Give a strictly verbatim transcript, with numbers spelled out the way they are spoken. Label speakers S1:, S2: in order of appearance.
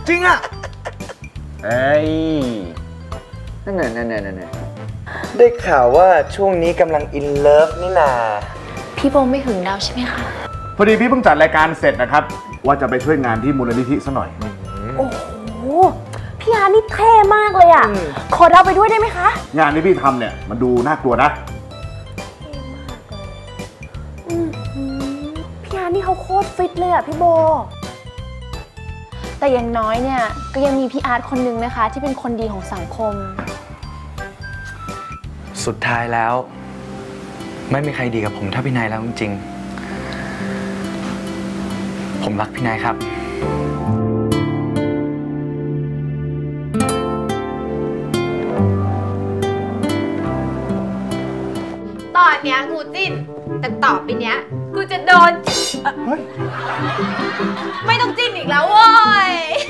S1: จริงอ่ะ
S2: เอ้ย
S1: นั่นน่ะนั่นน่ะนั่นน่ะได้ข่าวว่าช่วงนี้กำลังอินเลิฟนี่นา
S3: พี่โบไม่หึงเราใช่ไหมคะ
S2: พอดีพี่เพิ่งจัดรายการเสร็จนะครับว่าจะไปช่วยงานที่มูลนิธิซะหน่อย
S3: โอ้โหพี่อาร์นี่เท่มากเลยอ่ะขอเราไปด้วยได้ไหมคะ
S2: งานที่พี่ทำเนี่ยมันดูน่ากลัวนะ
S3: พี่อาร์นี่เขาโคตรฟิตเลยอ่ะพี่โบแต่อย่างน้อยเนี่ยก็ยังมีพี่อาร์ตคนนึงนะคะที่เป็นคนดีของสังคม
S1: สุดท้ายแล้วไม่มีใครดีกับผมเท่าพี่นายแล้วจริงๆผมรักพี่นายครับ
S4: ตอนเนี้ยกูจิ้นแต่ต่อไปเนี้ยกูจะโดนไม่ต้องจิ้นอีกแล้วโว้ย